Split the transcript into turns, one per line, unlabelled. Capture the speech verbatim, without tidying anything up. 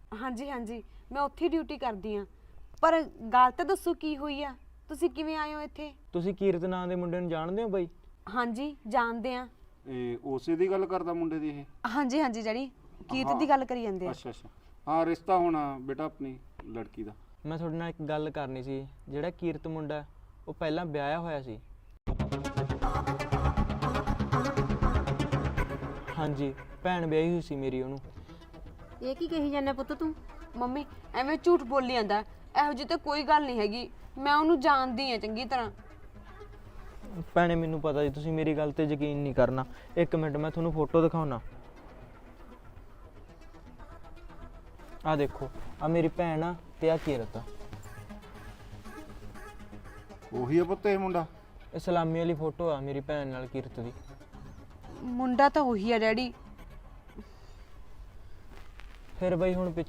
ਹਾਂਜੀ ਹਾਂਜੀ, ਮੈਂ ਉੱਥੇ ਡਿਊਟੀ ਕਰਦੀ ਆ। ਪਰ ਗੱਲ ਤਾਂ ਦੱਸੋ ਕੀ ਹੋਈ ਆ? ਤੁਸੀਂ ਕਿਵੇਂ ਆਏ ਹੋ ਇੱਥੇ?
ਤੁਸੀਂ ਕੀਰਤ ਨਾਂ ਦੇ ਮੁੰਡੇ ਨੂੰ ਜਾਣਦੇ ਹੋ ਬਾਈ?
ਹਾਂਜੀ ਜਾਣਦੇ ਆ।
ਇਹ ਉਸੇ ਦੀ ਗੱਲ ਕਰਦਾ ਮੁੰਡੇ ਦੀ ਇਹ?
ਹਾਂਜੀ ਹਾਂਜੀ ਜਿਹੜੀ ਕੀਰਤ
ਹਾਂ।
ਦੀ ਗੱਲ ਕਰੀ ਜਾਂਦੇ ਆ।
ਅੱਛਾ ਅੱਛਾ, ਹਾਂ ਰਿਸ਼ਤਾ ਹੋਣਾ ਬੇਟਾ ਆਪਣੀ ਲੜਕੀ ਦਾ।
ਮੈਂ ਤੁਹਾਡੇ ਨਾਲ ਇੱਕ ਗੱਲ ਕਰਨੀ ਸੀ। ਜਿਹੜਾ ਕੀਰਤ ਮੁੰਡਾ ਉਹ ਪਹਿਲਾਂ ਵਿਆਹਿਆ ਹੋਇਆ ਸੀ। ਹਾਂਜੀ, ਭੈਣ ਵਿਆਹੀ ਹੋਈ ਸੀ ਮੇਰੀ ਉਹਨੂੰ।
ਇਹ ਕੀ ਕਹੀ ਜਾਂਦਾ ਪੁੱਤ ਤੂੰ?
ਮੰਮੀ ਐਵੇਂ ਝੂਠ ਬੋਲੀ ਜਾਂਦਾ, ਇਹੋ ਜਿਹੀ ਤਾਂ ਕੋਈ ਗੱਲ ਨਹੀਂ ਹੈਗੀ। ਮੈਂ ਉਹਨੂੰ ਜਾਣਦੀ ਆ ਚੰਗੀ ਤਰ੍ਹਾਂ।
ਭੈਣੇ ਮੈਨੂੰ ਪਤਾ ਜੀ ਤੁਸੀਂ ਮੇਰੀ ਗੱਲ ਤੇ ਯਕੀਨ ਨਹੀਂ ਕਰਨਾ। ਇੱਕ ਮਿੰਟ ਮੈਂ ਤੁਹਾਨੂੰ ਫੋਟੋ ਦਿਖਾਉਣਾ। ਆ ਦੇਖੋ, ਆ ਮੇਰੀ ਭੈਣ ਆ ਤੇ ਆ ਕੀਰਤ ਆ।
ਉਹੀ ਆ ਪੁੱਤ ਇਹ ਮੁੰਡਾ?
ਇਹ ਸਲਾਮੀ ਵਾਲੀ ਫੋਟੋ ਆ ਮੇਰੀ ਭੈਣ ਨਾਲ ਕੀਰਤ ਦੀ।
ਮੁੰਡਾ ਤਾਂ ਉਹੀ ਆ ਡੈਡੀ।
ਫਿਰ ਬਈ ਹੁਣ